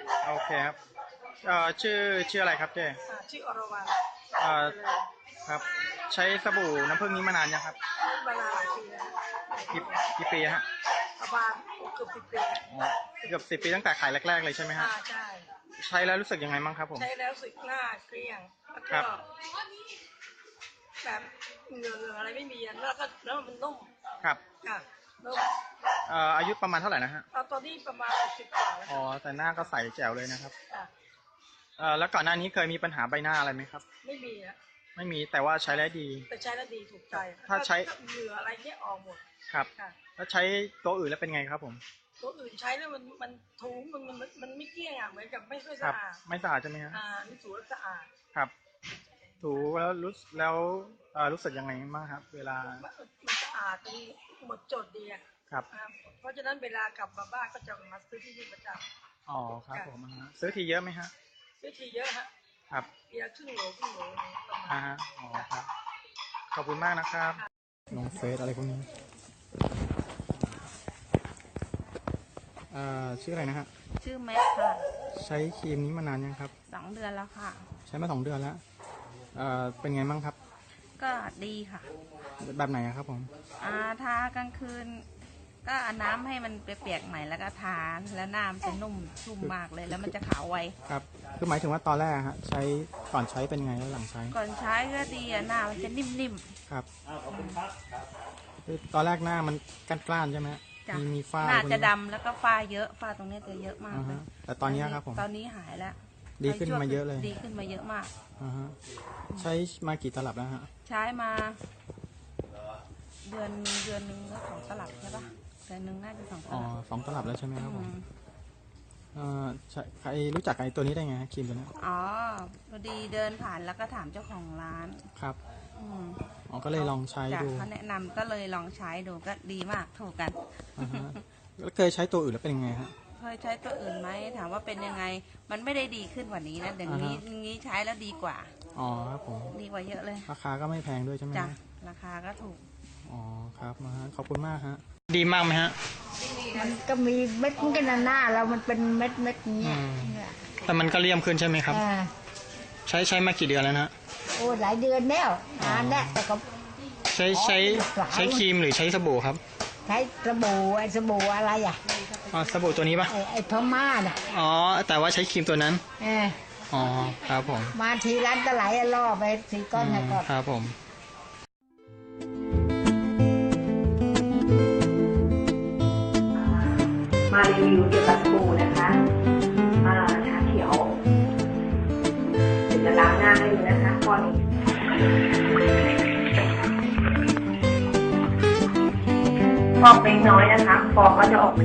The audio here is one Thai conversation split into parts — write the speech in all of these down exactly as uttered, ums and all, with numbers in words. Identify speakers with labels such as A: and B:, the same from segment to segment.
A: โอเคครับเอ่อชื่อชื่ออะไรครับเจ๊
B: อ่าชื่ออรวรรณ
A: เอ่อ
B: เจริญ
A: ครับใช้สบู่น้ำผึ้งนี้มานานยังครับ
B: มานานหลายปีแล้ว
A: กี่กี่ปีฮะ
B: ประมาณเกือบสิบปี
A: อ๋อเกือบสิบปีตั้งแต่ขายแรกๆเลยใช่ไหมฮะ
B: อ่าใช่
A: ใช้แล้วรู้สึกยังไงบ้างครับผม
B: ใช้แล้วสึกหน้าเกลี้ยงแล้ว
A: ครั
B: ก็
A: บ
B: แบบเหงื่อเหงื่ออะไรไม่มีอะแล้วก็แล้วมันนุ่ม
A: ครับ
B: ค่ะนุ่ม
A: เอ่ออายุประมาณเท่าไหร่นะฮะ
B: เอาตอนนี้ประมาณสิบกว่าแล้ว
A: อ๋อแต่หน้าก็ใสแจ๋วเลยนะครับ
B: ค่ะ
A: เอ่อแล้วก่อนหน้านี้เคยมีปัญหาใบหน้าอะไรไหมครับ
B: ไม่มีอะ
A: ไม่มีแต่ว่าใช้แล้วดี
B: แต่ใช้แล้วดีถูกใจ
A: ถ้าใช้
B: เหงื่ออะไรเนี้ยออกหมด
A: ครับ
B: ค่ะ
A: แล้วใช้ตัวอื่นแล้วเป็นไงครับผม
B: ตัวอื่นใช้แล้วมันมันถูมันมันมันไม่เกลี้ยงอ่ะเหมือนกับไม่ค่อย
A: ครับ
B: สะอาด
A: ไม่สะอาดใช่ไหมฮะ
B: อ่านี่ถูแล้วสะอาด
A: ครับถูแล้วรู้แล้วเอ่อรู้สึกยังไงบ้างครับเวลา
B: มันมันสะอาดจนหมดจดดีอ่ะ
A: ครับ
B: อ่าเพราะฉะนั้นเวลากลับมาบ้านก็จะมาซื้อที่นี่ประจำ
A: อ๋อครับ
B: ค่ะ
A: ผมอ่าฮะซื้อทีเยอะไหมฮะ
B: ซื้อทีเยอะฮะ
A: ครับ
B: เดียวครึ่งโหลครึ่งโหลประมาณ
A: อ่าฮะอ๋อครับขอบคุณมากนะครับลงเฟซอะไรพวกนี้อ่าชื่ออะไรนะฮะ
C: ชื่อแม็กค่ะ
A: ใช้ครีมนี้มานานยังครับ
C: สองเดือนแล้วค่ะ
A: ใช้มาสองเดือนแล้วเอ่อเป็นไงบ้างครับ
C: ก็ดีค่ะ
A: แบบไหนอะครับผม
C: อ่าทากลางคืน ก็เอาน้ำให้มันเปียกๆหน่อยแล้วก็ทาแล้วน้ำจะนุ่มชุ่มมากเลยแล้วมันจะขาวไว
A: ครับคือหมายถึงว่าตอนแรกฮะใช้ก่อนใช้เป็นไงแล้วหลังใช้
C: ก่อนใช้ก็ดีอะหน้ามันจะนิ่ม
A: ครับคือตอนแรกหน้ามันกล้านๆใช่ไหม
C: ๆจ้ะ
A: มีมีฝ้า
C: หน้า
A: พวก
C: จะ
A: นี้
C: ดำแล้วก็ฝ้าเยอะฝ้าตรงนี้จะเยอะมาก
A: อ่า
C: เล
A: ฮะ
C: ย
A: แต่ตอนนี้ครับผม
C: ตอนนี้หายแล้ว
A: ดีขึ้นมาเยอะเลย
C: ดีขึ้นมาเยอะมาก
A: อ่าฮะใช้มากี่ตลับแล้วฮะ
C: ใช้มา เดือนเดือนหนึ่งก็สองตลับใช่ปะเดือนหนึ่งน่าจะสองต
A: อ๋อ
C: ลับ
A: สองตลับแล้วใช่ไหมครับผม
C: อืม
A: เอ่อใช่ใครรู้จักไอ้ตัวนี้ได้ไงครีมตัวนี้
C: อ๋อพอดีเดินผ่านแล้วก็ถามเจ้าของร้าน
A: ครับ
C: อืม
A: อ๋อก็เลยลองใช้ดู
C: เขาแนะนำก็เลยลองใช้ดูก็ดีมากถูกกัน
A: อ่าฮะแล้วเคยใช้ตัวอื่นแล้วเป็นยังไงฮะ
C: เคยใช้ตัวอื่นไหมถามว่าเป็นยังไง มันไม่ได้ดีขึ้นกว่านี้นะเดี๋ยวนี้นี้ใช้แล้วดีกว่า
A: อ๋อครับผม
C: ดีกว่าเยอะเลย
A: ราคาก็ไม่แพงด้วยใช่ไหม
C: จ้ะราคาก็ถูก
A: อ๋อครับมาฮะขอบคุณมากฮะดีมากไหมฮะ
D: มันก็มีเม็ดมันก็หน้าหน้าเรามันเป็นเม็ดเม็ดนี้
A: แต่มันก็เลี่ยมขึ้นใช่ไหมครับใช้ใช้มากี่เดือนแล้วนะ
D: โอ้หลายเดือนแล้วนานแล้วแต่ก็
A: ใช้ใช้ใช้ครีมหรือใช้สบู่ครับ
D: ใช้สบู่ไอ้สบู่อะไรอ่ะ
A: อ๋อสบู่ตัวนี้ปะ
D: ไอ้ไอ้พม่าน่ะ
A: อ๋อแต่ว่าใช้ครีมตัวนั้น
D: เออ
A: อ๋อครับผม
D: มาทีร้านตะไหลล่อไปสี่ก้อนนะก็
A: ครับผม
E: มารีวิวเกี่ยวกับสบู่นะคะชาเขียวเดี๋ยวจะล้างหน้าให้ดูนะคะก้อนนี้ฟอกเล็กน้อยนะคะฟองก็จะออก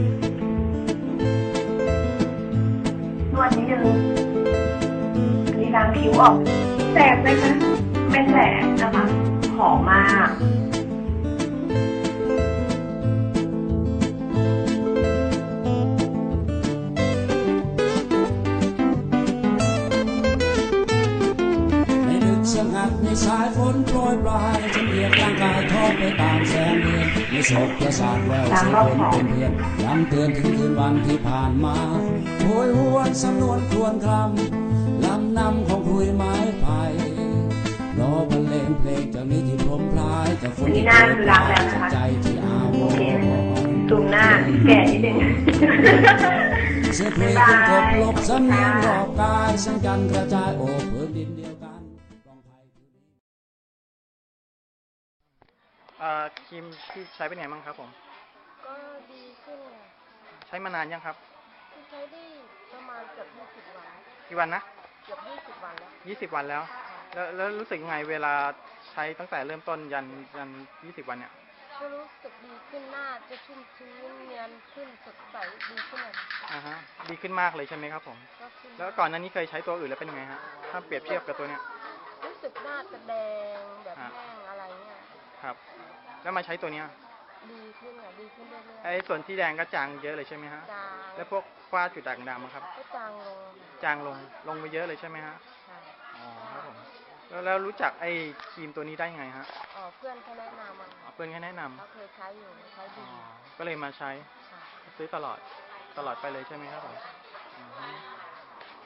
E: นวดนิดนึงอันนี้ล้างคิ้วออกแสบไหมคะไม่แสบนะคะหอมมาก
F: สงัดในสายฝนโปรยปลายจะเอียดร่างกายทอดไปตามแสงเดือนในโศกประสาทแววเสียงฝนเป็นเพียนย้ำเตือนถึงคืนวันที่ผ่านมาโหยหวนสำนวนครวญครำลำนำของคุยไม้ไผ่รอบรรเลงเพลงจากนี้ที่พรมพลายจากฝนที่โปรยปลายจากใจที่อาวรณ์
E: ซูมหน้าแก่นิดนึง
F: เสียเพลงคงกบลบสำเนียงรอบกายสังกันกระจายโอบพื้นดินเดียวกัน
A: เอ่อครีมที่ใช้เป็นไงบ้างครับผม
B: ก็ดีขึ้น
A: ใช้มานานยังครับ
B: ใช้ได้ประมาณเกือบยี่สิบวัน
A: กี่วันนะ
B: เกือบยี่สิบวันแล้ว
A: ยี่สิบวันแล้วแล้วแล้วรู้สึกยังไงเวลาใช้ตั้งแต่เริ่มต้นยันยันยี่สิบวันเนี่ย
B: ก็รู้สึกดีขึ้นหน้าจะชุ่มชื้นเนียนขึ้นสดใสดีขึ้นเลย
A: อ่าฮะดีขึ้นมากเลยใช่ไหมครับผมแล้วก่อนหน้านี้เคยใช้ตัวอื่นแล้วเป็นยังไงฮะถ้าเปรียบเทียบกับตัวเนี้ย
B: รู้สึกหน้าจะแดงแบบแห้งอะไรเนี่ย
A: ครับแล้วมาใช้ตัวเนี้ย
B: ดีขึ้นอ่ะดีขึ้นเรื่อยๆ
A: ไอ้ส่วนที่แดงก็จางเยอะเลยใช่ไหมฮะ
B: จาง
A: แล้วพวกฝ้าจุดด่างดำครับ
B: ก็จางลง
A: จางลงลงไปเยอะเลยใช่ไหมฮะ
B: ใช่
A: อ๋อครับผมแล้วแล้วรู้จักไอ้ครีมตัวนี้ได้ไงฮะ
B: อ๋อเพื่อนเขาแนะนำมา
A: เพื่อนเขาแนะนำ
B: เขาเคยใช้อยู่ใช้ดี
A: ก็เลยมาใช้ซื้อตลอดตลอดไปเลยใช่ไหมครับผม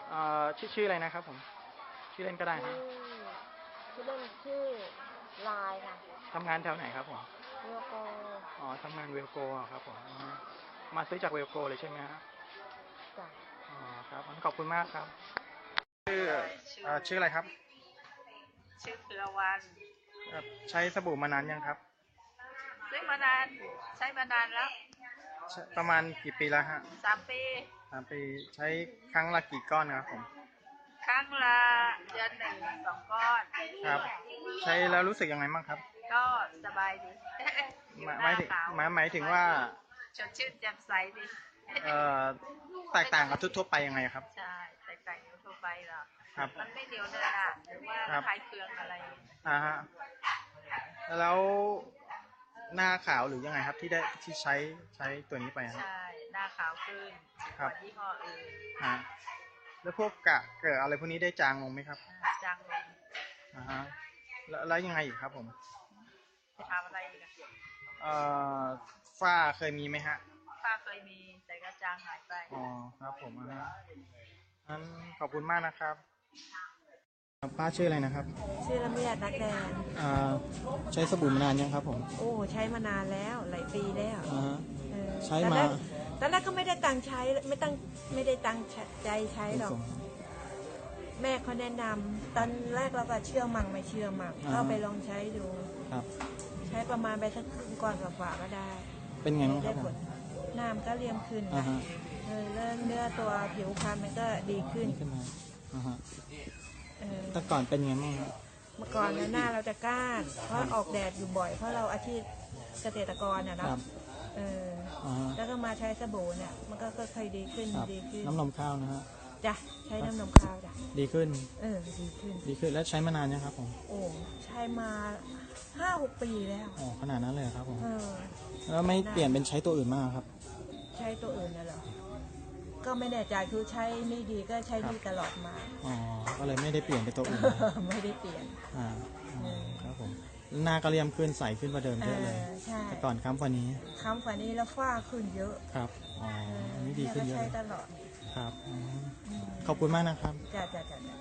A: เอ่อชื่อชื่ออะไรนะครับผมชื่อเล่นก็ได้ค
B: ชื่
A: รับ
B: อชื่อเล่นชื่อลายค่ะ
A: ทำงานแถวไหนครับผม
B: โยโก
A: อ๋อทำงานเวลโกอะครับผมอ๋อมาซื้อจากเวลโกเลยใช่ไหมครับ
B: จ้ะ
A: อ๋อครับงั้นขอบคุณมากครับชื่อเอ่อชื่ออะไรครับ
C: ชื่อเครือวัน
A: เอ่อใช้สบู่มานานยังครับ
C: ซื้อมานานใช้มานานแล้ว
A: ใช้ประมาณกี่ปีแล้วฮะ
C: สามปี
A: สามปีใช้ครั้งละกี่ก้อนครับผม
C: ครั้งละเดือนหนึ่งสองก้อน
A: ครับ ใช้แล้วรู้สึกยังไงบ้างครับ
C: ก็สบายดี
A: หมายหมายถึง
C: หน้ขว
A: หมายหมายถึงว่า
C: สดชื่นแจ่มใสดี
A: เอ่อแตกต่างกับทั่วๆไปยังไงครับ
C: ใช่แตกต่างจากทั่วไปหรอ
A: ครับ
C: มันไม่เหนียวเนอะนะหรือว่า
A: ครับ
C: คลายเคืองอะไร
A: อ่าฮะแล้วหน้าขาวหรือยังไงครับที่ได้ที่ใช้ใช้ตัวนี้ไปครับ
C: ใช่ หน้าขาวขึ้นก
A: ครับ
C: ว่ายี่ห้ออื่น
A: ฮะแล้วพวกกะเกิดอะไรพวกนี้ได้จางลงไหมครับ
C: อ่าจางลง
A: อ่าฮะแล้วแล้วยังไงอีกครับผม
C: จะทำอะไรอีกอะ
A: เอ่อฝ้าเคยมีไหมฮะ
C: ป้าเคยมีแต่ก็จางหายไป
A: อ๋อครับผมอ่าฮะงั้นขอบคุณมากนะครับป้าชื่ออะไรนะครับ
G: ชื่อละเมียดนักแดง
A: อ่าใช้สบู่มานานยังครับผม
G: โอ้ใช้มานานแล้วหลายปีแล้ว
A: อ่าฮะ
G: เออ
A: ใช้
G: ตอน
A: มา
G: แรกตอนแรกก็ไม่ได้ตั้งใช้ไม่ตั้งไม่ได้ตั้งใจใช้หรอก แม่เขาแนะนำตอนแรกเราก็เชื่อมั่งไม่เชื่อมั่ง
A: อ่า
G: เข้าไปลองใช้ดู
A: ครับ
G: ใช้ประมาณไปสักครึ่งก่อนกว่าๆก็ได้
A: เป็นไงบ้างค
G: ได้
A: รับ
G: ผ
A: ผม
G: ลน้ำก็เรียมขึ้น
A: อ่า
G: นะ
A: ฮะ
G: เออเริ่มเนื้อตัวผิวพรรณมันก็ดีขึ้น
A: นี่ขึ้นมาอ่าฮะ
G: เออ
A: แต่ก่อนเป็นยังไงบ้างครับ
G: เมื่อก่อนเนี่ยหน้าเราจะก้าน เพราะออกแดดอยู่บ่อย เพราะเราอาชีพเกษตรกรน่ะ
A: ค
G: เนาะ
A: รับ
G: เออ
A: อ่าฮะ
G: แล้วก็มาใช้สบู่เนี่ย มันก็ค่อยๆดีขึ้น
A: ครับ
G: ดีขึ้น
A: น้ำนมข้าวนะฮะ
G: จ้ะใช้น้ำนมข้าวจ้ะ
A: ดีขึ้น
G: เออดีขึ้น
A: ดีขึ้นแล้วใช้มานานยังครับผม
G: โอ้ใช้มาห้าหกปีแล้ว
A: อ๋อขนาดนั้นเลยเหรอครับผม
G: เออ
A: แล้วไม่เปลี่ยนเป็นใช้ตัวอื่นมากครับ
G: ใช้ตัวอื่นน่ะเหรอก็ไม่แน่ใจคือใช้นี่ดีก็ใช้ดีตลอดมา
A: อ๋อ ก็เลยไม่ได้เปลี่ยนไปตัวอื่น
G: ไม่ได้เปลี่ยน
A: อ่าอ๋อครับผม หน้าก็เรียมขึ้นใสขึ้นกว่าเดิม
G: เอ
A: เยอะเลย
G: อใช่
A: แต่ก่อนค้ำกว่านี้
G: ค้ำกว่านี้แล้วฝ้าขึ้นเยอะ
A: ครับ อ๋อ
G: เออ
A: อันนี้ดีขึ้นเย
G: ก็
A: อะ
G: ใช้
A: เลย
G: ตลอด
A: ครับอืม
G: อืม
A: ขอบคุณมากนะครับ
G: จ้ะจ้ะจ้ะจ้ะ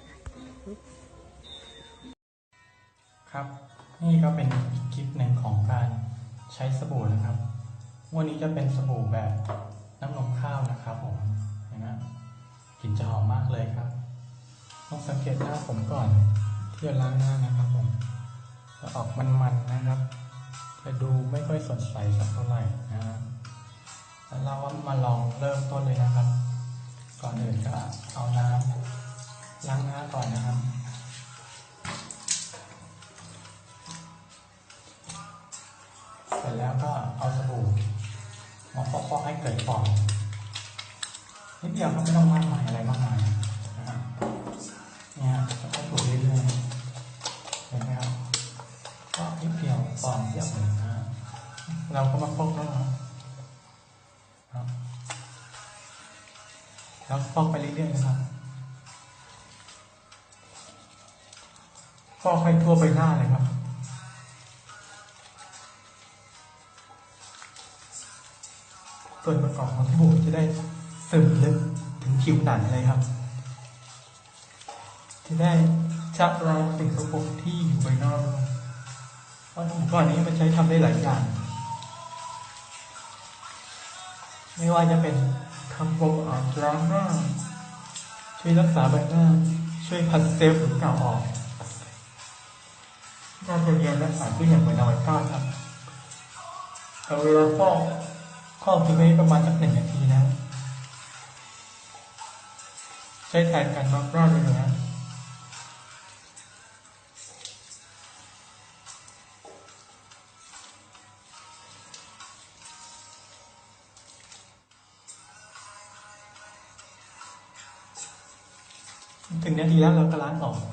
A: ครับ นี่ก็เป็นอีกคลิปหนึ่งของการใช้สบู่นะครับวันนี้จะเป็นสบู่แบบน้ำนมข้าวนะครับผมเห็นไหมกลิ่นจะหอมมากเลยครับต้องสังเกตหน้าผมก่อนที่จะล้างหน้านะครับผมจะออกมันๆนะครับจะดูไม่ค่อยสดใสสักเท่าไหร่นะฮะแล้วเรามาลองเริ่มต้นเลยนะครับ ก่อนอื่นก็เอาน้ำล้างหน้าก่อนนะครับเสร็จแล้วก็เอาสบู่มาฟอกๆให้เกิดฟองนิดเดียวก็ไม่ต้องมากมายอะไรมากมายนะฮะเนี่ยจะต้องถูเรื่อยๆเห็นไหมครับก็นิดเดียวฟองเทียบเลยนะฮะเราก็มาฟอกแล้วครับแล้วฟอกไปเรื่อยๆนะครับฟอกให้ทั่วใบหน้าเลยครับส่วนประกอบของสบู่จะได้ซึมลึกถึงผิวหนังเลยครับ จะได้ชักล้างสิ่งสกปรกที่อยู่ภายนอกเพราะสบู่ก้อนนี้มันใช้ทำได้หลายอย่าง ไม่ว่าจะเป็นทำความสะอาดล้างหน้าช่วยรักษาใบหน้า ช่วยผัดเซลล์ผิวเก่าออกน่าจะเรียนและสารด้วยอย่างเหมือนเอาไว้ก้าครับเอาเวลาฟอกฟอกทิ้งไว้ประมาณสักหนึ่งนาทีนะใช้แทนการมาร์กหน้าเลยนะถึงนาทีแล้วเราก็ล้างออก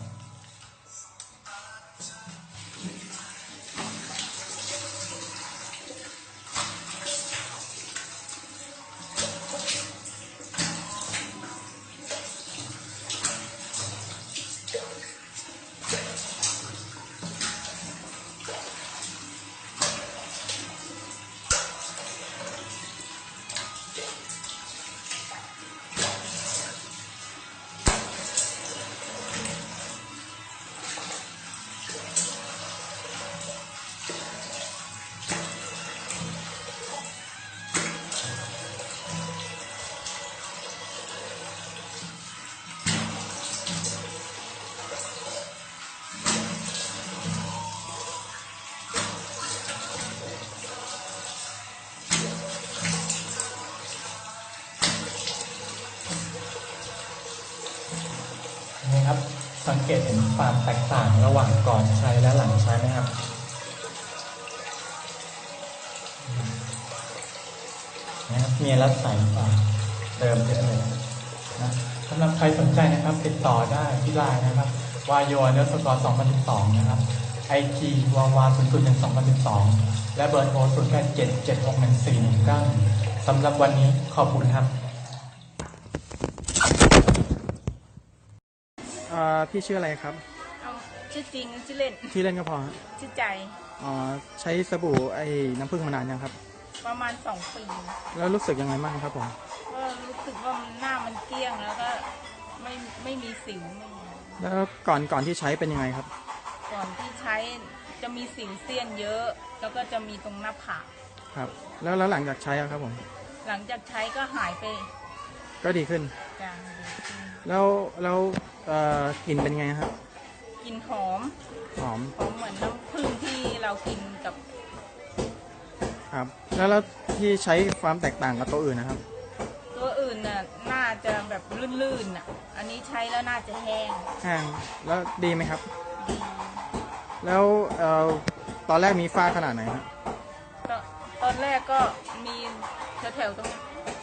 A: สังเกตเห็นความแตกต่างระหว่างก่อนใช้และหลังใช้ไหมครับนะครับมีรัดใสกว่าเดิมเยอะเลยนะสำหรับใครสนใจนะครับติดต่อได้ที่ไลน์นะครับวายโยเนื้อสกอร์สองพันสิบสองนะครับไอจีวาวาศูนย์ศูนย์หนึ่งสองพันสิบสองและเบอร์โทรศูนย์แปดเจ็ดเจ็ดหกหนึ่งสี่หนึ่งเก้าสำหรับวันนี้ขอบคุณครับพี่ชื่ออะไรครับ
C: เอาชื่อจริงชื่อเล่น
A: ชื่อเล่นก็พอ
C: ชื่อใจ
A: อ๋อใช้สบู่ไอ้น้ำผึ้งมานานยังครับ
C: ประมาณสองปี
A: แล้วรู้สึกยังไงบ้างครับผม
C: ก็รู้สึกว่ามันหน้ามันเกลี้ยงแล้วก็ไม่ไม่มีสิวไม่มี
A: แล้วก่อนก่อนที่ใช้เป็นยังไงครับ
C: ก่อนที่ใช้จะมีสิวเซียนเยอะ แล้วก็จะมีตรงหน้าผาก
A: ครับ แล้วแล้วหลังจากใช้อะครับผม
C: หลังจากใช้ก็หายไป
A: ก็ดีขึ้น
C: จางดีขึ้น
A: แล้วแล้วเอ่อกลิ่นเป็นไงครับ
C: กลิ่นหอม
A: หอม
C: หอมเหมือนน้ำผึ้งที่เรากินกับ
A: ครับ แล้วแล้วที่ใช้ความแตกต่างกับตัวอื่นนะครับ
C: ตัวอื่นน่ะน่าจะแบบลื่นๆน่ะ อันนี้ใช้แล้วน่าจะแห้ง
A: แห้งแล้วดีไหมครับ
C: ดี
A: แล้วเอ่อตอนแรกมีฝ้าขนาดไหนครับ
C: ตอนตอนแรกก็มีแถวๆตรงนี้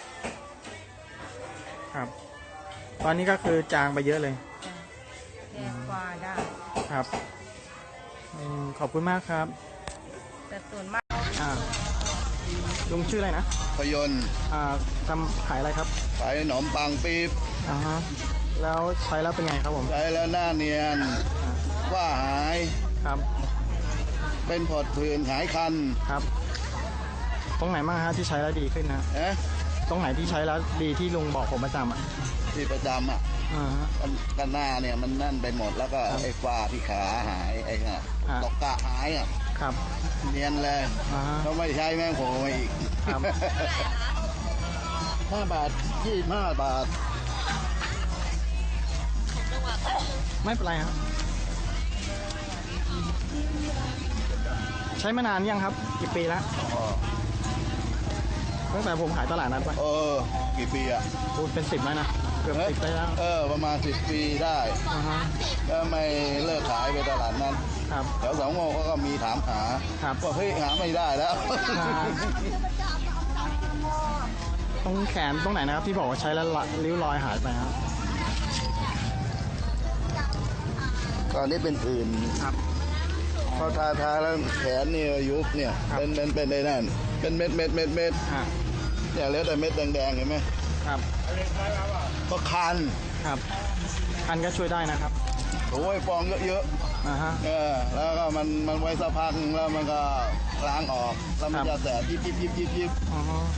A: ครับ ตอนนี้ก็คือจางไปเยอะเลย
C: จ้ะแก้กว่าได้
A: ครับอืมขอบคุณมากครับ
C: แต่ส่วนมาก
A: อ่าลุงชื่ออะไรนะ
H: พยนต์
A: อ่าทำขายอะไรครับ
H: ขายขนมปังปี๊บ
A: อ่าฮะแล้วใช้แล้วเป็นไงครับผม
H: ใช้แล้วหน้าเนียน
A: อ่า
H: ว่าหาย
A: ครับ
H: เป็นผดผื่นหายคัน
A: ครับ ตรงไหนบ้างฮะที่ใช้แล้วดีขึ้นนะ
H: นะ
A: ตรงไหนที่ใช้แล้วดีที่ลุงบอกผมประจำอ่ะ
H: ที่ประจำอ่ะ
A: อ่าฮะ
H: กันกันหน้าเนี่ยมันนั่นไปหมดแล้วก็ไอ้ฝ้าที่ขาหายไอ้น่ะ
A: อ่า
H: ตกกะหายอ่ะ
A: ครับ
H: เนียนเลย
A: อ่าฮะ
H: เขาไม่ใช้แม่งโผล่มาอีก
A: ครับ
H: ห้าบาทยี่สิบห้าบาท
A: ไม่เป็นไรครับ ใช้มานานยังครับ กี่ปีแล้ว
H: อ๋อ
A: ตั้งแต่ผมขายตลาดนัดไป
H: เออ กี่ปีอ่ะ
A: พูดเป็นสิบแล้วนะ เกือบสิบได้แล้ว
H: เออ ประมาณสิบปีได้
A: อ่าฮะ
H: ก็ไม่เลิกขายไปตลาดนั้น
A: ครับ
H: แถวสองโมงเขาก็มีถามหา
A: ครับ
H: ว่าเฮ้ยหาไม่ได้แล้ว
A: อ่า ตรงแขนตรงไหนนะครับที่บอกว่าใช้แล้วละริ้วรอยหายไปครับ
H: ตอนนี้เป็นอื่น
A: ครับ
H: พอทาทาแล้วแขนเนี่ยยุบเนี่ย
A: ครับ
H: เป็นเป็นเป็นได้นั่นเป็นเม็ดเม็ดเม็ดเม็ด
A: ฮะ
H: เนี่ยเหลือแต่เม็ดแดงๆเห็นไหม
A: ครับ
H: ก็คัน
A: ครับคันก็ช่วยได้นะครับ
H: โอ้ยฟองเยอะ
A: อ่าฮะ
H: ๆเออแล้วก็มันมันไว้สักพักนึงแล้วมันก็ล้างออกแล้วมัน
A: ครั
H: จะ
A: บ
H: แสบยิบยิบยิบยิบยิบ
A: อ๋อฮะ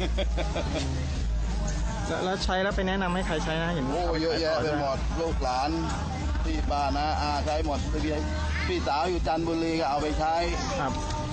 A: แล้วแล้วใช้แล้วไปแนะนำให้ใครใช้นะเห็น
H: โอ้เยอะแยะไปหมดลูกหลานพี่ป้านะอาใช้หมดพี่พี่สาวอยู่จันทบุรีก็เอาไปใช้
A: ครับ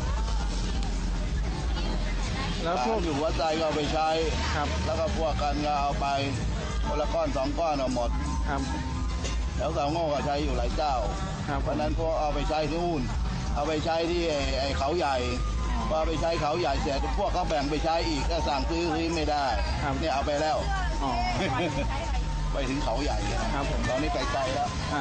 A: แล้วพ
H: พ
A: ว
H: ว
A: ก
H: กอยู่วัดใจก็เอาไปใช้
A: ครับ
H: แล้วก็พวกกันก็เอาไปคนละก้อนสองก้อนเอาหมด
A: ครับ
H: แล้วสาวโง่ก็ใช้อยู่หลายเจ้า
A: ครับ
H: เพราะฉะนั้นพวกเอาไปใช้ที่นู่นเอาไปใช้ที่ไอ้ไอ้เขาใหญ่พอเอาไปใช้เขาใหญ่เสร็จพวกเขาแบ่งไปใช้อีกก็สั่งซื้อซื้อไม่ได้
A: ครับ
H: เนี่ยเอาไปแล้ว
A: อ๋อ
H: ไปถึงเขาใหญ่นะครับ
A: ผม
H: ตอนนี้ไปไกลแล้ว
A: อ่า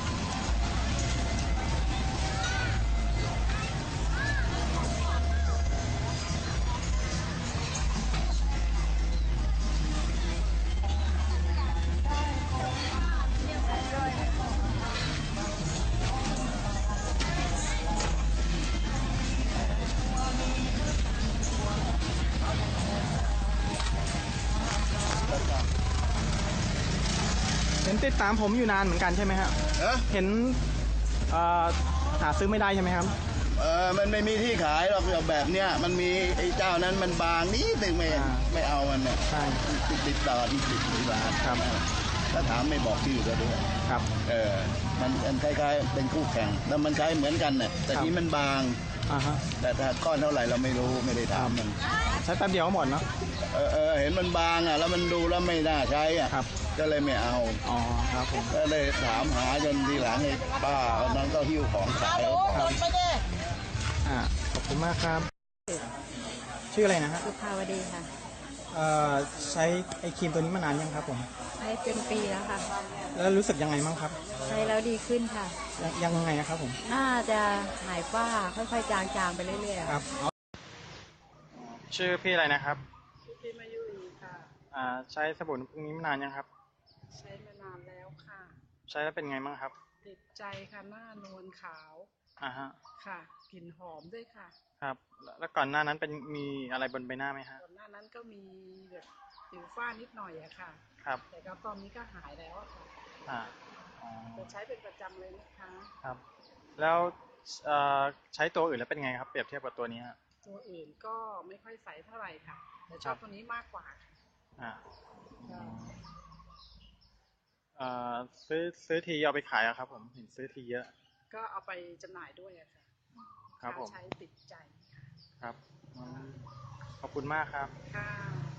A: เห็นติดตามผมอยู่นานเหมือนกันใช่ไหมฮะ
H: เอ๊ะ
A: เห็นเอ่อหาซื้อไม่ได้ใช่ไหมครับ
H: เออมันไม่มีที่ขายหรอกแบบเนี้ยมันมีไอ้เจ้านั้นมันบางนิดนึงไม่
A: อ่า
H: ไม่เอามันเนี่ย
A: ใช่
H: ติดติดต่อที่ติดที่ร้าน
A: ครับ
H: ถ้าถามไม่บอกชื่อก็ด้วย
A: ครับ
H: เออมันมันคล้ายๆเป็นคู่แข่งแล้วมันใช้เหมือนกันเนี่ยแต่
A: ครับ
H: นี้มันบาง
A: อ่าฮะ
H: แต่ถ้าก้อนเท่าไหร่เราไม่รู้ไม่ได้ถามมัน
A: ใช้แป๊บเดียวก็หมดเนาะ
H: เออเออเห็นมันบางอ่ะแล้วมันดูแล้วไม่น่าใช้อ่ะ
A: ครับ
H: ก็เลยไม่เอา
A: อ๋อครับผม
H: ก็เลยถามหาจนทีหลังไอ้ป้าคนนั้นก็หิ้วของขายเอาของ
A: อ่าขอบคุณมากครับ ชื่ออะไรนะฮะ
G: สุภาวดีค่ะ
A: อเอ่อใช้ไอครีมตัวนี้มานานยังครับผม
I: ใช้เป็นปีแล้วค่ะ
A: แล้วรู้สึกยังไงบ้างครับ
I: ใช้แล้วดีขึ้นค่ะ
A: ยังยังไงนะครับผม
I: น่าจะหายฝ้าค่อยๆจางๆไปเรื่อยๆ
A: ครับชื่อพี่อะไรนะครับ
J: พี่มายุรีค่ะ
A: อ่าใช้สบู่น้ำผึ้งนี้มานานยังครับ
J: ใช้มานานแล้วค่ะ
A: ใช้แล้วเป็นไงบ้างครับ
J: ติดใจค่ะหน้านวลขาว
A: อ่าฮะ
J: ค่ะกลิ่นหอมด้วยค่ะ
A: ครับแล้วแล้วก่อนหน้านั้นเป็นมีอะไรบนใบหน้าไหมฮะ
J: ก่อนหน้านั้นก็มีแบบสิวฝ้านิดหน่อยอะค่ะ
A: ครับ
J: แต่ก็ตอนนี้ก็หายแล้วอะค่ะ
A: อ่าอ๋อ
J: จะใช้เป็นประจำเลยนะคะ
A: ครับ แล้วเอ่อใช้ตัวอื่นแล้วเป็นไงครับเปรียบเทียบกับตัวนี้ฮะ
J: ตัวอื่นก็ไม่ค่อยใสเท่าไหร่ค่ะ แต่ชอบตัวนี้มากกว่าค่ะ
A: อ่าเอ่อซื้อซื้อทีเอาไปขายอะครับผมเห็นซื้อทีเยอะ
J: ก็เอาไปจำหน่ายด้วยอะค่ะ
A: ครับผม
J: ใช้ติดใจค่ะ
A: ครับอืมขอบคุณมากครับ
J: ค่ะ